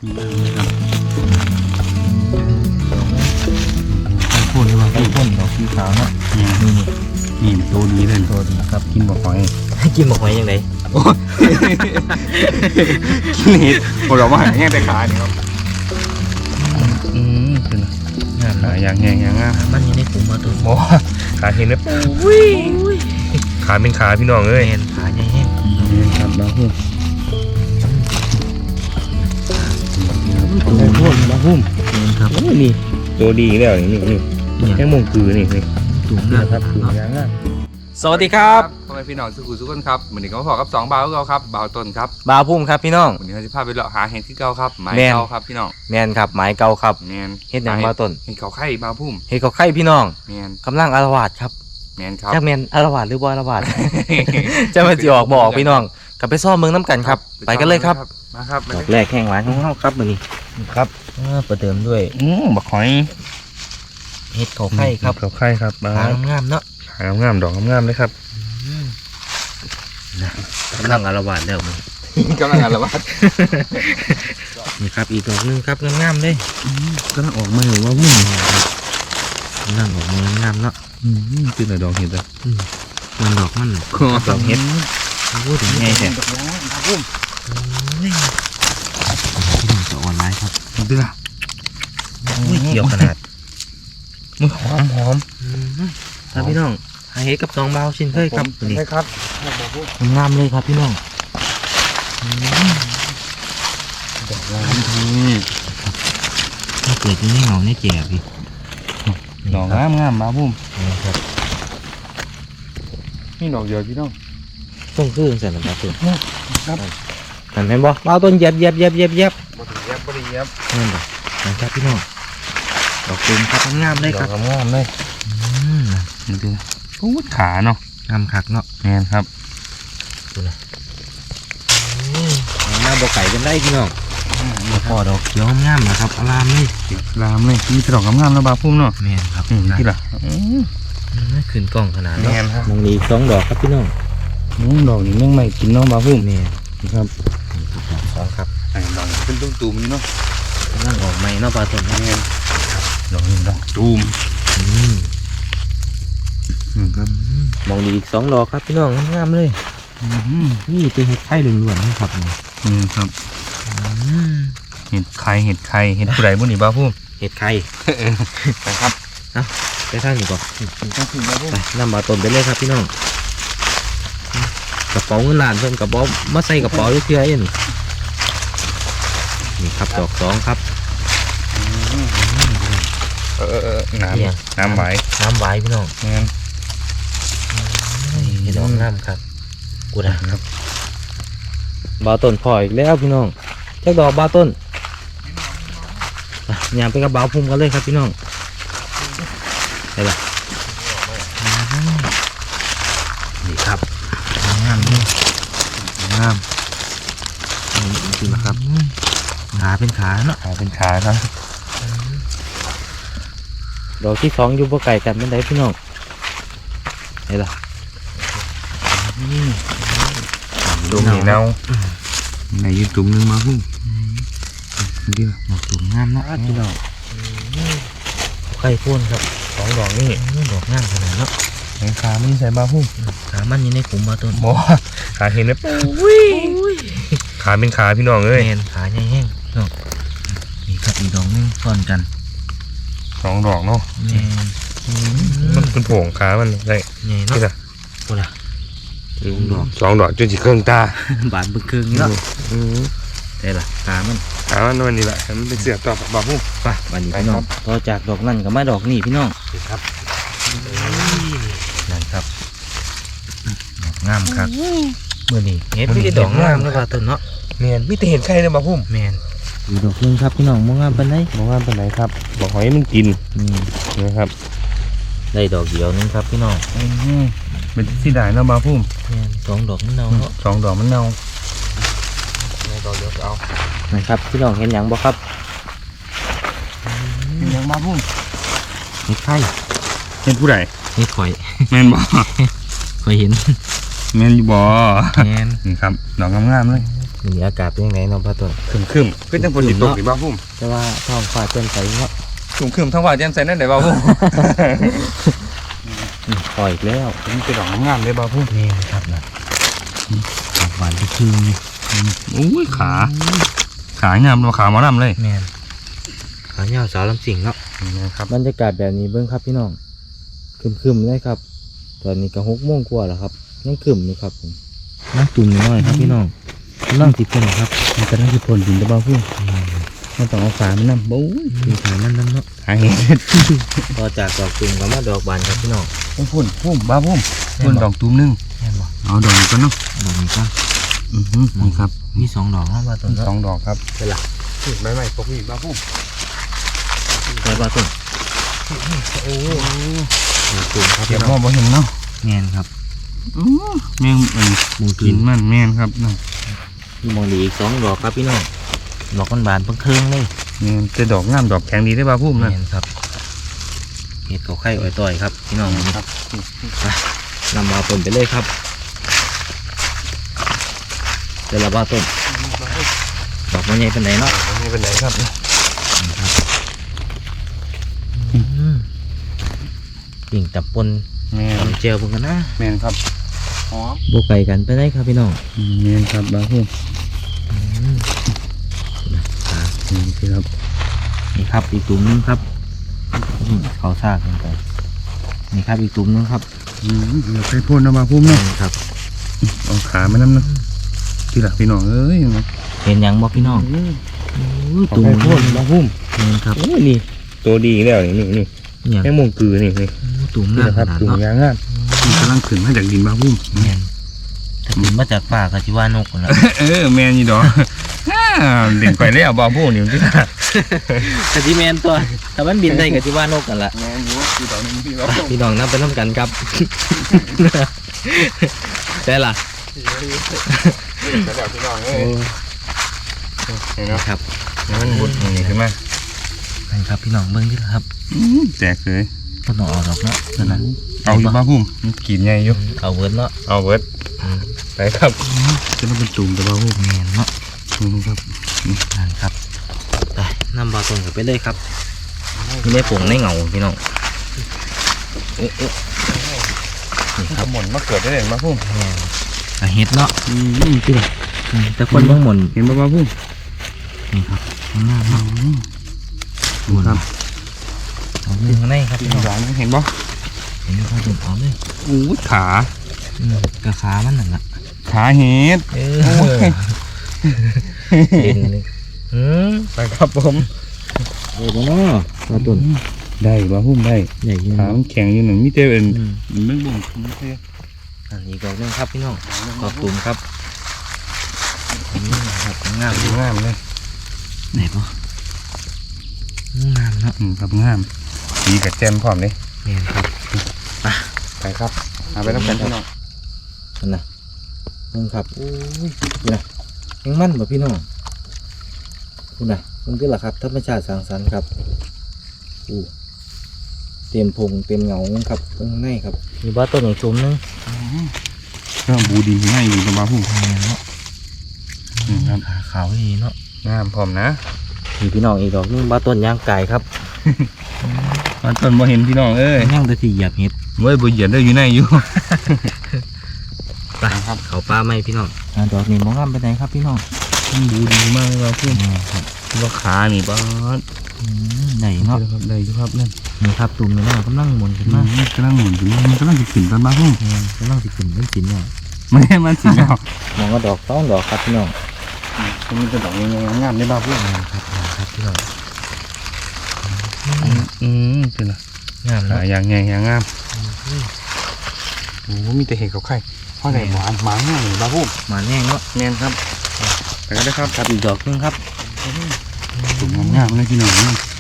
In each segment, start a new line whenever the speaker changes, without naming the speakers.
ครับพ่นหรือว่าพ่นดอกสีขาวเนาะนี่ตัวดีเลยตัวดีครับกินบ่หอย
กินบอกไว้ยังไง
กินเห็ดผมบอกว่าหายแห้งแต่ขาเนี่ยครับเป็นงานหายอย่างแห้งอย่างงาม
มันยังได้ขุมมาตัว
โอ้ขาเห็นไหมขาเป็นขาพี่น้องเอ้ย
แมนขาใหญ่แห้ง
ครับบาหุ่มตัวพุ่มบาหุ่ม
แมนครับ
นี่ตัวดีแล้วนี่แค่มงคือนี่
ถุง
นี่
นะ
นะครับคืออย่างงาม
สวัสดีครับ
พ่อแม่พี่น้องสุขุสุขคนครับเหมือนเด็กก็พอกับ2 บ่าวเราครับบ่าวต้นครับ
บาวพุ่มครับพี่น้อง
วันนี้เราจะพาไปเลาะหาเห็ดที่เก่าครับไม้
แม่น
เก่าครับพี่น้อง
แมนครับหมายเก่าครับ
แมน
เฮ็ดหยังบาวต้น
เห็ดเขาไข่บ่าวพุ่ม
เฮ็ดกับไข่พี่น้อง
แมน
กำลังอารวาสครับ
แมนครับ
จักแมนอารวาสหรือบ่อารวาส จะมาจีออกบอกพี่น้องกลับไปซ่อมเมืองน้ำกันครับ ไปกันเลยครับ
มาครับ
ดอกแรกแห้งหวานของเราครับมื้อนี้
ครับ
ประเดิมด้วย
บักหอย
เฮ็ดเขาไข่ครับ
เขาไข่ครับมา
หางามๆเนาะ
หางามดอกงามเลยครับ
กำลังอารวาสแล้วมึง
กำลังอะไรวะ
นี่ครับอีกดอกหนึงครับงามๆเลย
กำลังออกมาอยู่ว่าวุ่น
กำลังออกมางามเนาะ
คืออะไรดอกเห็ดอะ
มันดอกมันดอกเฮ็ดพูดถึงไงแท้
ดอกพุ่ม
พี่น้องจะออนไลน์ครับ
เดือ
อุ้ยเกี่ยวขนาด
มันหอม
ครับพี่น้องหาเฮ็ดกับน้องเบาชินเคยครับตัวนี้
ใช่ครับ
งามเลยครับพี่น้อง
ดอกงามนี่
ถ้าเกิดที่นี่เหงาเนี่ยแก่พี่
ดอกงามมาพุ่ม
นี่ครับ
นี่ดอกเดียวพี่น้อง
ต้องคือเสร็จแล้วครับตัว
ครับ
เห็นบ่เบาต้นเย็บ
บริเย็บ
นั่นบ่นะครับพี่น้องดอกตูมครับงามเลย
ด
ค
อ
รั
ก
บ
งามเลยนี่คือพูดขาเนาะ
งามคักเนาะ
แมนครับ
หน้าบ่ไก่กันได้พี่น้องพอดอกเขียวงามนะครับอารามเลย
ลามเลยมีดอกงามแล้วบาพุ่มเนาะ
แม่นครับ
ที่ละ
ขึ้นกล้องขนาด
แม
เนาะ
นครับ
มองนี้2ดอกครับพี่น้อง
ดอกนี้แม่งไม่กินน้องบาพุ่ม
แม่น
ครับ
สองครับ
ดอกเป็นตุ้มๆนี่เนาะ
กำลังออกใหม่เนาะปลาต้น
แมนดอกนี้ดอกตูมครับ
มองดีอีก2ดอกครับพี่น้องงามเลยนี่เป็นเห็ดไข่ล้วนๆนะครับนี่
นี่ครับเห็ดไข่เห็ดผู้ใดบุญนี่บาพุ่ม
เห็ดไข่
ไปครับ
ไปทางนี้ก่อน
ต้องถึงบาพุ่ม
ไปนำมาต้นไปเลยครับพี่น้องกระเป๋าเงินล้านเพิ่มกระเป๋ามาใส่กระเป๋าเพื่อเอ็นนี่ครับดอก2ครับ
น้ำไหว
น้ำไหวพี่น้อง
งั้น
เห็ดดอกงามครับกูนะครับบาต้นพออีกแล้วพี่น้องเจ้าดอกบาต้นย่างไปกับบาพุ่มกันเลยครับพี่น้องได้ละนี่ครับงามนี่
งาม
จริงนะครับขาเป็นขาเนาะ
ขาเป็นขาครับ
ดอกที่2อยู่บ่ไก่กันเป็นไดพี่น้องได้ละ
ดูนี่เน่าในยืนตุ่มนึงมาพุ่งเดียว
ดอกสูงงามเนาะพี่น้องไข่พ่นครับ2ดอกนี่ดอกงามขนาดเนาะ
แขงขาไม่ใส่บาพุ่ง
ขามันอยู่ในขุมบาต้น
โมขาเห็นไหมขาเป็นขาพี่น้องเอ้ย
แมนขาใหญ่แห้งเนาะนี่ครับอีกดอกนึงซ้อนกัน
2 ดอกเนาะ
แมน
มันเป็นโผงขามันได้
ใหญ่เนาะ
นี่ละ
โอ้ล่ะ
2 ดอกจนสิเครื่องตา
บาดบึกครึ่งเนาะได้ละขามัน
ขามันนี่แหละมันเป็นเสือต่อบาพุ่ง
ไปวันนี้พี่น้องต่อจากดอกนั่นก็มาดอกนี่พี่น้อง
ครับ
นั่นครับดอกงามครับเมื่อนี้เฮ็ดไม่ได้ดอกงามครับต้นเนาะ
เมียนมีแต่เห็นไข่เลยบาพุ่ง
แมนอีกดอกนึงครับพี่น้องมองงามปานใด
บอกว่าเป็นไรครับบอกหอยมันกิน
นี่
นะครับ
ได้ดอกเดียวนึงครับพี่น้อง
เป็นที่ได้นะบาพุ่ม
แมน2ดอกมันเนาเนาะ
2 ดอกมันเน่าดอกเดียวเอา
นะครับพี่น้องเห็นหยังบ่ครับ
เป็นยังบาพุ่ม
เห็ดไข่
เห็นผู้ใด
เห็ดข่อย
แม่นบ่
ข่อยเห็น
แม่นอยู่บ่
แมน
นี่ครับดอกงามๆเลย
มีอากาศเป็นยังไงเนาะบ้าต้น
คึมๆคือจังฝนสิตกนี่บ่าวพุ่ม
แต่ว่าท้องฟ้าแจ่มใสเนาะ
คึมๆทั้งว่าแจ่มใสนั่นได้บ่าวพุ่ม
ปล่อยอีกแล้ว
มันเป็นดอกงามๆเลยบ่าวพุ่ม
นี่นะครับนะดอกหวานที่คืนนี่
อุ้ยขางามราคาหมอลำเลย
แม่นขายาวสาวลำสิงเนาะ
นะครับ
บรรยากาศแบบนี้เบิ้งครับพี่น้องครึมๆเลยครับตอนนี้ก็6 โมงกว่าแล้วครับยังครึมอยู่ครับผมนั่งตุ่มน้อยครับพี่น้องนั่งติดกันครับ
มันก็ต้องสิพ่นดินตะบ่าวพุ่มมันต้องเอาฝามันนำบู๊ย
มีขายมันนั่นเนาะ
หาเห็ด
ต่อจากดอกตุ่มก็มาดอกบานครับพี่น้อง
พุ่มบ่าวพุ่มพ่นดอกตูมนึง
แม่นบ่
เอาดอกนี้ก่อนเนาะ
ดอกนี้ก็
นี่ครับ
มี2 ดอกเนาะบ้าต้น
สองดอกครับ
เป็นหลัก
ใบไม้ปกนี่บ่าวพุ่ม
ไปบ้าต้นโอ้ตุ่มครับ
เดี๋
พี่
ยว
น้
พ่
อ
อง บ่เห็นเนาะ
แม่นครับ
แมง
หมู
กินมันแม่นครับเนาะ
มองดีอีก2 ดอกครับพี่น้องดอกบานๆเพิ่งเครื่องเลย
แม่นแต่ดอกงามดอกแข็งดีได้บ่าวพุ่มนั่น
แม่นครับเห็ดเขาไข่อ้อยต่อยครับพี่น้อง
ครับ
นำมาต้นไปเลยครับเดี๋ยวเราบ้าต้นดอกมันใหญ่เป็นไหนเนาะ
ไม่เป็นไรครับ
ปิ่งตับปน
แม่น
ตำเจียวพวกกันนะ
แม่นครับหอม
โบไก่กันไปได้ครับพี่น้อง
แม่นครับบ่าวพุ่ม
ครับ
นี่ครับ
นี่ครับอีกตุ่มนึงครับเขาซากกันไปนี่ครับอีกตุ่มนึงครับ
เดี๋ยวไปพ่นนะบ่าวพุ่มเนาะ
นี่ครับ
เอาขามันน้ำเนาะที่หลักพี่น้องเอ้ยเนาะ
เห็นยังบ่พี่น้อง
ตุ่มพ่นบ่าวพุ่ม
นี่ครับ
โอ้ยนี่ตัวดีแล้วนี่นี่
เนี่ย
แม่มงกือนี่นี่
ตุ่ม
นี่
งาม
นะค
ข
รับ
นาด
ตุ่ม
เนาะ
ยางงามมันกำลังขึ้นมาจากดินบ่าวพุ่ม
แม่นถ้าขึ้นมาจากป่าก็จิว่านกนะ
แม่นยี่ดอกเด่นไปแล้วบ่าวพุ่มนี่ที่หลัก
กะจิแมนตัวถ้ามันบินได้กะจิว่านกกันละ
แม่นอยู่ที่ดอกนึงพี่บ่าวพุ่ม
พี่น้องนับไปน้ำกันครับ ได้ล่ะ
แล้วพี่น้องเอ้
โอ้
ยเห็นเนาะ
ครับ
มันบุดนี่ขึ้นมา
นั่นครับพี่น้องเบิ้งที่ละครับ
แตกเลย
ก็ต้องเอาดอกเนาะนั่นน่ะ
เอาอยู่บ่าวพุ่มมันกินใหญ่อยู่
เอาเวิร์ดเนาะ
เอาเบิดไปครับจะต้องเป็นตุ่มแต่บ่าวพุ่ม
แมนเนาะ
นี่ครับ
นั่นครับไปนำบาตรงกันไปเลยครับนี่ได้ผงได้เงาพี่น้องนี่
ค
ค
รั
รั
บบ หมุนมาเกิดได้เลยบ่าวพุ่ม
แมนกะเห็ดเนาะ
ที่ไหน
แต่คนบ้างหมุน
เห็นบ่าวพุ่ม
นี่ครับข้างหน้าเนาะ
ครับ
เอาเรื่องข้างในครับพี่น้อง
หวานเห็นบ่
เห็นครับผมเอาเลย
อู้ขา
กระขามันนั่นน่ะ
ขาเห็ด
เออเห็นเลย
ไปครับผม
เออเนาะปลาตุ่น
ได้บ่าวพุ่มได้
ใหญ่ยิ่ง
ขามันแข็งอยู่หนึ่งมิเตเป็นมันบ่งมิเต
อันนี้ก็นึงครับพี่น้องขอบตุ่มครับครับงาม
งามเลย
ไหนปะงามเนาะ
ครับงามดีกับแจมพร้อมเลย
เนี่ยครับ
ไปครับเอาไปรับกันพี่น้อง
นั่นนะนึงครับโอ้ยนี่นะยังมั่นบ่พี่น้องคุณน่ะมันก็ล่ะครับธรรมชาติสร้างสรรค์ครับอู้เต็มพงเต็มเงาครับข้างในครับมีบ้าต้นของชมนึง
ก็บูดินง่ายอยู่กับบ่าวพุ่ม
เนาะ
ครับ
ขาขาวดีเนาะ
งามพร้อมนะ
มีพี่น้องอีกดอกนึงบ้าต้นย่างไก่ครับ
มันต้นบ่เห็นพี่น้องเอ้ย
ย่างแต่ที่เหยียบเห็ด
เว้ยบ่เหยียดได้อยู่ในอยู่
ไปครับเขาปลาไหมพี่น้องดอกนี้มองงามไปไหนครับพี่น้อง
บูดีมากเลยบ่าวพุ่ม
ครับ
ว่าขานี่บ้า
ไหนเนาะ
ครับได้อยู่ครับนั่น
นี่ครับตุ่มนี่นะกำลังหมุนขึ้นมา
กำลังหมุนอยู่มันกำลังจะขึ้นตอนบ่าวพุ่ม
กำลังสิขึ้นเป็นสินเนี่ย
ไม่ให้มันสิแล้ว
มองก็ดอกต้องดอกครับพี่น้อง
มันเป็นดอกงามๆได้บ่าวพุ่ม
ครับพี่น้อง
เป็นไร
งาม
หา
นะ
อย่างไงอย่างงามโอ้มีแต่เห็ดเขาไข่เพราะไหนหวานหมาง่ายเลยบ่าวพุ่ม
มาแน่เนาะ
แน่นครับไปกันได้ครับ
ครับอีกดอกนึงครับ
ตุ่มงามๆเลยพี่น้อง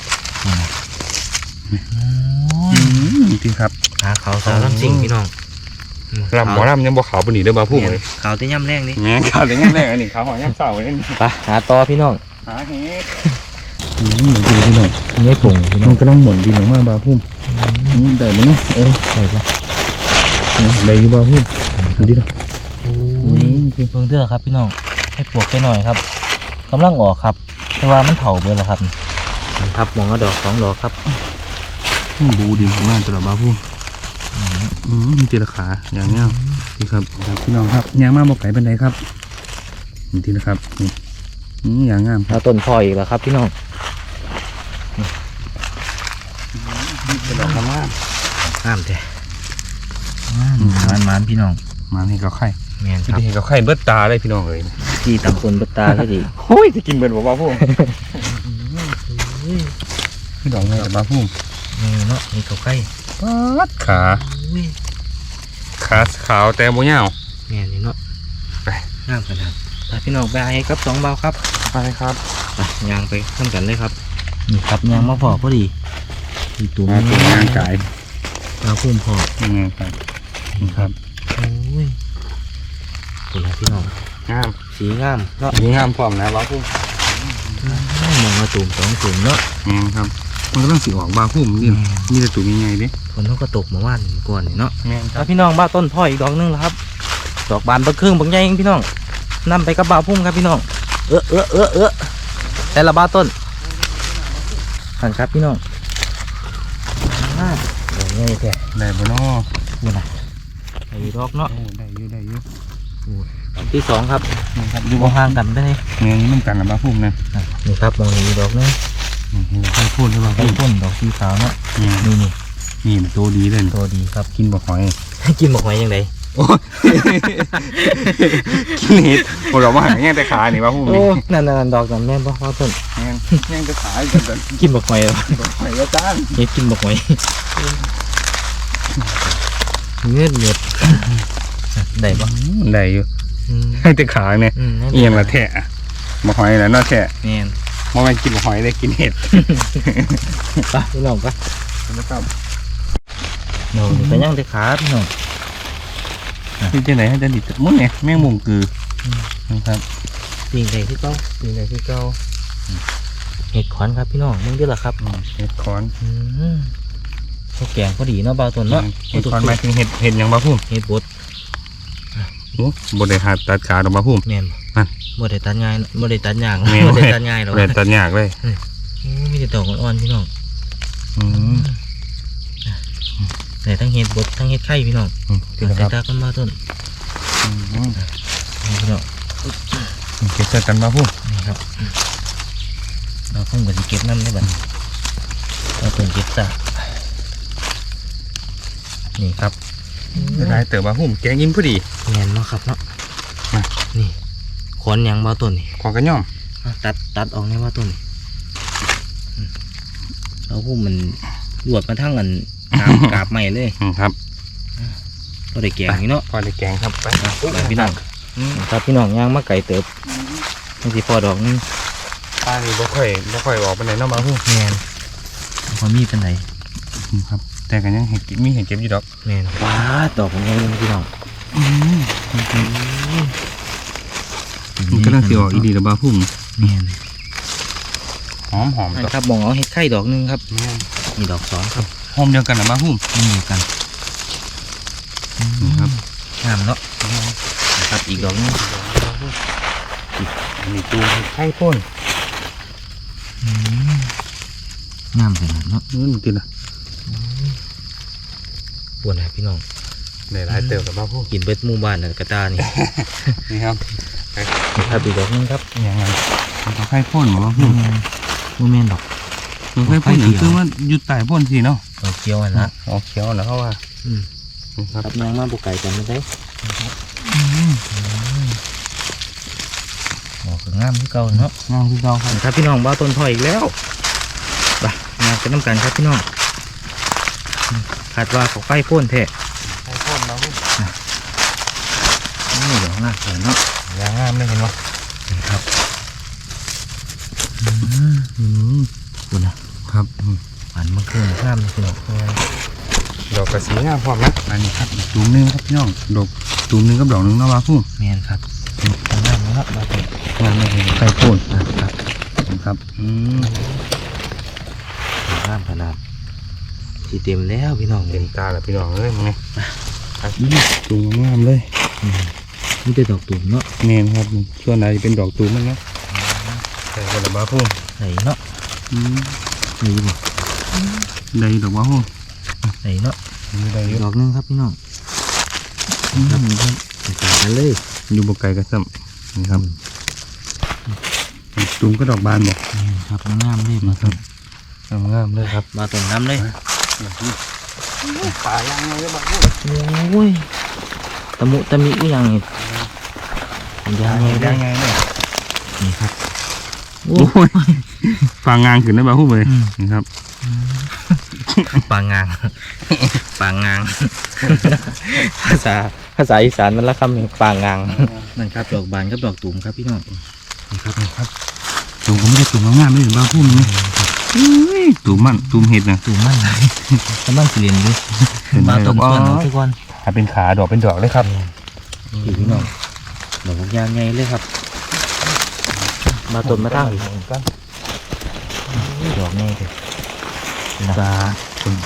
พี่ครับ
หาเขาสาวลำซิ่งพี่น้อง
ลำหมอลำยังบ่ขาวปานนี้เด้อบ่าวพุ่มเลย
ขาวที่ย่ำแรงนี่
แง่ขาวแต่ยังแรกอันนี้ขาวหอยย่ำเศร้าเลย
ไปหาต่อพี่น้อง
หาเห็ดเหมือนกันพี่น้อง
นี่ปุ่งพี่น้อ
มั
ง
นก็ต้องหมุนดีมากบ่าวพุ่มได้ไหมเนาะ
ใช่ปะ
ได้อยู่บ่าวพุ่มดูดิเนาะ
เพิ่งเด้อครับพี่น้องให้ให้ปลวกไปหน่อยครับกำลังออกครับแต่ว่ามันเถาเบิดแล้วครับนี่ครับมองก็ดอก2 ดอกครับ
บูดินของงานตลอดบ้าพุ่มมีตีละขาอย่างเงี้ยนี่ครับพี่น้องครับยางมาบอกไก่เป็นไรครับนี่ทีนะครับนี่อย่างงามครับ
แล้วต้นพออีกแล้วครับพี่น้อง
เป็นดอกงาม
งามแท้มันพี่น้อง
มาให้เขาไข่
แม่นค
ที่
รับ
เห็นเขาไข่เบิดตาเลยพี่น้องเลย
ที่ตำคนบัตตาก็ดี
โอ้ยจะกินเบิดบอกบ้าพุ่มพี่น้องเลยบ้าพุ่ม
นี่เนาะนี่เขาใกล้
ปัดขาขาวแต่โมยาว
แม่นี่เนาะ
ไป
งามขนาดไปพี่น้องไปให้ครับ2 เบาครับ
ไปครับ
ไปยางไปขึ้นกันเลยครับนี่ครับยางมาพอพอดีอีตัว
มาตัวงานไก่
เราพุ่มพอ
ยังไงครับนี่ครับ
โอ้ยตัวไหนพี่น้อง
งาม
สีงามเนาะ
นี่งามพร้อมนะบ้าพุ่ม
มองมาตุ่ม2 ตุ่มเนาะ
ครับมันก็ต้องสีออกบ้าพุ่มนี่มีแต่ตัวใหญ่ๆดิ
ฝนเขาก็ตกเมื่อวานก่อนนี่เนาะ
แม่นค
แล้
รับ
วพี่น้องบ้าต้นพ่ออีกดอกนึงแล้วครับดอกบานบะครึ่งบางใหญ่เองพี่น้องนำไปกับบ่าวพุ่มครับพี่น้องแต่ละบ้าต้นหันครับพี่น้องดอกใหญ่แท้
ได้บ่เนาะ
นี่นะไอ้ดอกเนาะ
ได้อยู่
ดอกที่ 2ครับ
นี่ครับ
อยู่ห่างกันไปเลย
แม่นี่มันกันกับบ้าพุ่มนะ
นี่ครับมองนี้ดอกนึง
ให้พูดใช่ป่ะ
ไอ้พ่นดอกสีขาวเนาะ
นี่
นี่
นี่มันตัวดีเลย
ตัวดีครับ
กินบ่หอย
กินบอกไว้ยังไง
โอ้ยกินเห็ดพวกเรามาหาแง่แต่ขานี่บ้าพุ่ม
โอ้
นี่
นั่นดอกนั่นแม่นบ่ว่าต้น
แง่แต่ขาจัง
กินบอกไว้
หอยก็จ้าน
เฮ็ดกินบอกไว้เงือดได้ปะ
ได้อยู่ให้แต่ขาเนี่ยเอียงละแทะบ่หอยแล้วเนาะแทะ
แม่น
บ่แม่นกินบ่หอยได้กินเห็ด
ไปพี่น้องไป
นะครับ
โน่นี่ก็ยังได้ขาพี่น้อง
นี่จังได๋ให้จังดิมื้อเนี่ยแมงมุมคือนะครับ
ปีนได้ที่เก่าเห็ดขอนครับพี่น้องมึงได้หรอครับ
เห็ดคอน
ข้าวแกงพอดีเนาะเบาต้นเนาะ
เห็ดคอนหมายถึงเห็ดหยังบ้าพุ่ม
เห็ดบด
โอ้บ่ได้หาตัดขาดอกบ้าพุ่ม
แม่น
นั่น
บ่ได้ตัดง่ายบ่ได้ตัดยาง
แม่น
บ่ได้ตัดง่ายหรอก
บ่ได้ตัดยากเลย
โอ้มีแต่ดอกอ่อนๆพี่น้อง
อืม
แต่ทั้งเห็ดบดทั้งเห็ดไข่พี่น้อง
ที่นะค
ใส่
รับ
ตากันมาต้นนี่พี่น้อง
เก็บใส่กันบ้าพุ่ม
นี่ครับเราเพิ่งไปเก็บน้ำได้บัดเราเพิ่งเก็บซะนี่ครับ
หลายเติบบ้าพุ่มแกงอิ่มพอดี
แม่นเนาะครับเนาะ
มา
นี่ขอนหยังมาต้นนี่
ขอกระย่อม
ตัดออกนี่มาต้นนี่เราพูดมันรวดมาทั้งกันกาบใหม่เลย
ครับ
เราได้แกงนี่เนาะ
พอได้แกงครับไป
ไปพี่น้องครับพี่น้องย่างมาไก่เติบนี่สิพอดอกนึง
ป้านี่บ่ค่อยออกไปไหนเนาะบ้าพุ่ม
แมนพอมีเป็นไหน
ครับ แต่กันยังเห็ดมีเห็ดเก็บอยู่ดอก
แมนว้าดอกของยังพี่น้อง
มันก็น่าสิออกอีดีแล้วบ้าพุ่ม
แมน
หอมดอก
ครับมองเอาเห็ดไข่ดอกนึงครับ
แม่น
นี่ดอก2ครับ
หอมเดียวกันนะบ้าพุ่ม
นี่เหมือนกัน
นี่ครับ
งามเนาะครับอีกดอกนึง
อันนี้ตูมเห็ดไข่พ่น
งามขนาดเนาะ
นี่กินอ่ะ
ปวดนะพี่น้อง
ได้หลายเติบกับบ้าพุ่ม
กินเบิดหมู่บ้านนั่นกระตานี่
นี่ครับ
นี่ครับอีกดอกนึงครับ
ยังไงมันก็ไข่พ่นหรอบ้าพุ่ม
โมเมนดอก
มันไข่พ่นคือว่าอยู่ใต้พ่นสิเนาะ
ดอกเขียวอันละ
ออกเขียวนะเขาว่า นี่ครับ
ครับยางมาบุกไก่กันไม่ได้ดอกก็งามที่เก่าเนาะ
งามที่เราครับ
ครับพี่น้องบ้าต้นพออีกแล้วไปงานกันน้ำกันครับพี่น้องคาดว่าเขาไฟพ่นแท้
ไข่พ่นบ้าพุ่ม
นี่ดอกงามเลยเนาะ
ยางงามเลยเห็นไหม
ครับคุณนะครับ หวานมะเขือข้ามเลยพี่น้อง
ดอกกระสีงามพร้อมนะอันนี้ครับอีกตูมหนึงครับพี่น้องดอกตูมหนึงกับดอกหนึงเนาะบ้าพุ่ม
แมนครับงามนะครับบ้าต้น
งามเลยไข่พ่น
ครับ
ครับ
งามขนาดสีเต็มแล้วพี่น้อง
เต็มตาแล้วพี่น้องเอ้ยมึงไงตูมงามเลย
นี่เป็นดอกตุ่มเนาะ
เมนครับส่วนไหนเป็นดอกตูมมันเนาะใส่กระบาพุ่ม
ใส่เนาะนี่บ่
ได้ดอกบาพุ่ม
ใส่เนาะ
ได้เยอะ
ดอกหนึงครับพี่น้องครับนี่ครับใส่กันเลย
อยู่บกไก่กระซ้ำนี่ครับตูมก็ดอกบานบอก
นี่ครับงามเลยมาครับ
งามเลยครับ
มาตรงน้ำเลย
ป่ายังไงก็บาพุ่ม
โอ้ยตะมุตะมิอีหยังนี่ยังไงได้
ไงเนี่ย
นี่ครับโอ้
โอ้ยฟางงานขึ้นได้บาพุ่มเลยนี่ครับ
ปางงางปางงางภาษาอีสานมันละคำหนึ่งปางงางนั่นครับดอกบานกับดอกตุ่มครับพี่น้องนี่ครับ
ตูมก็ไม่ได้ตูมงามเลยบาพุ่มนี่ตูมมันตูมเห็ดนะ
ตุ่มมันไหลกำลังเปลี่ยนเลยบาตุ่มส่วนของทุกคน
ถ้าเป็นขาดอกเป็นดอกเลยครับ
พี่น้องดอกยางไงเลยครับบาตุ่มมาตั้งดอกไงเลย
ตาเปิด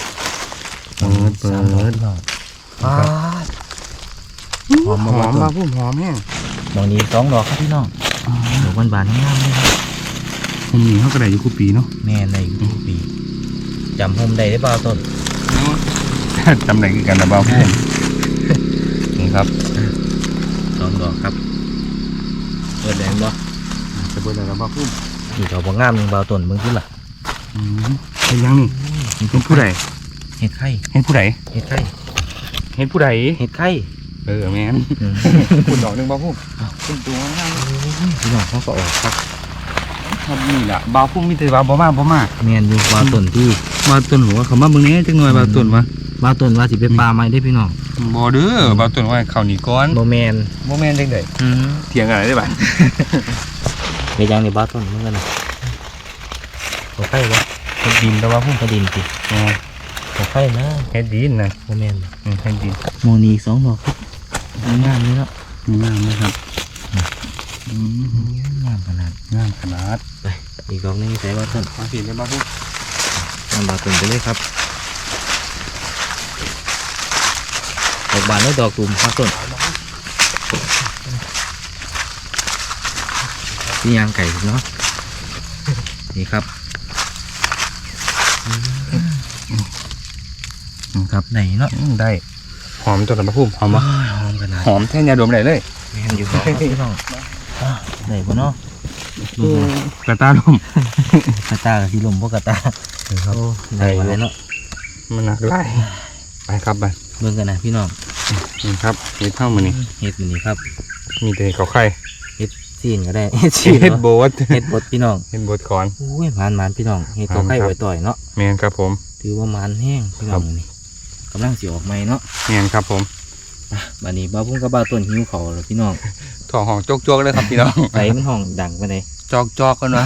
ป้าหอม
ห
มา
อม
บา
มา
ตุ่ม
พุ่มหอมแห้ง
ดอกนี้2 ดอกครับพี่น้องดอกบานๆงามเลยครับ
ผมนี่เขากระไดอยู่คู่ปีเนาะ
แม่ในทุกปีจำโฮมได้หรือเปล่าต้น
จำไหนคือกันนะบ้าพุ่มนี่ครับ
2 ดอกครับเปิดแดงบ่
จะเปิดอะไรบ้าพุ่ม
นี่ดอกบ่งามหนึงเบาต้นเบิ่งขึ้นล่ะ
เป็นยังนี่เป็นผู้ใด
เห็ดไข่
เห็นผู้ใด
เห็ดไข่
เห็นผู้ใด
เห็ดไข่
แม่นคุณดอกหนึ่งบ้าพุ่มเป็นตัวงาม
พี่น้องเขาก็ออกครับ
ครับนี่แหละบ้าพุ่มมีแต่บ้าบ่มา
แม่นอยู่ว่าต้นที่
บ้าต้นหัวเขามาเบิ่งนี้จังหน่อยบ้าต้นวะ
ว่าต้นว่าสิเป็นปลาไม้ได้พี่น้อง
บ่เด้อบ้าต้นว่าเขาหนีก้อน
บ่แม่น
บ่แม่นจังไดเถียงอะไรได้บ้าง
เฮ็ดยังนี่บ่ต้นเหมือนกันน่ะบ่ไข่บ่
เฮ็ดดินแต่ว่าพุ่ม
กระดินติบ่ไข่นะ
เฮ็ดดินนะ
บ่แม่น
เฮ็ดดิน
โมนีอีก2 ดอกครับงามนี่เนาะ
งามนะครับ
งามขนาด
งามขนาด
ไปอีกดอกหนึงใส่ว่าต้น
มาสิเลยบ้าพุ่ม
นำบาต้นไปเลยครับดอกบานและดอกตุ่มครับต้นนี่ยางไก่เนาะนี่ครับครับไหนเนาะ
ได้หอมตัวละบ้าพุ่มหอม
ห
วะ
อมขนาด
หอมแท่ยาดมได้เลย
แม่นอยู่ครับพี่น้องไหนบ่เนาะดู
กระตาลม
กระตากับสีลมพวกกระตาครับไหนบ่ได้เนาะ
มันหนักไล่ไปครับไป
เบิ่งกันนะพี่น้อง
นี่ครับเห็ดเท่ามือนี่
เฮ็ดมันนี่ครับ
มีแต่เขาไข่
เฮ็ดซีนก็ได้เฮ็ดซีน
เห็ดโบ
เนาะ
ด
เฮ็ดบดพี่น้อง
เห็ดโบดคอน
อุ้ยหมานพี่น้องเฮ็ดตัวไข่ไว้ต่อยเนาะ
แมนครับผม
ถือว่าหมานแห้งพี่น้องนี่กำลังสิออกใหม่เนาะ
แมนครับผม
บัดนี้บ่าวพุ่งกับบ่าวต้นหิวเขาวแล้วพี่น้อง
ถอดห้องโจกๆเลยครับพี่น้อง
ไฟมันห้องดังปานใด
จอกกันวะ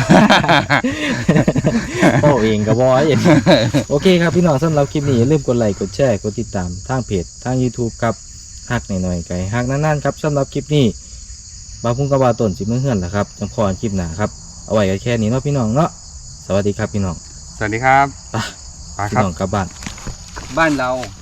โอ้เองก็บ่เห็นโอเคครับพี่น้องสำหรับคลิปนี้อย่าลืมกดไลค์กดแชร์กดติดตามทางเพจทาง YouTube ครับฮักหน่อยๆไก่ฮักนานๆครับสำหรับคลิปนี้บ่าวพุ่งกับบ่าวต้นสิมื้อเฮือนล่ะครับจังพอกันคลิปหน้าครับเอาไว้กันแค่นี้เนาะพี่น้องเนาะสวัสดีครับพี่น้อง
สวัสดีครับ
ไป
ไป
พี่
ครับ
น้องกลับบ้าน
บ้านเรา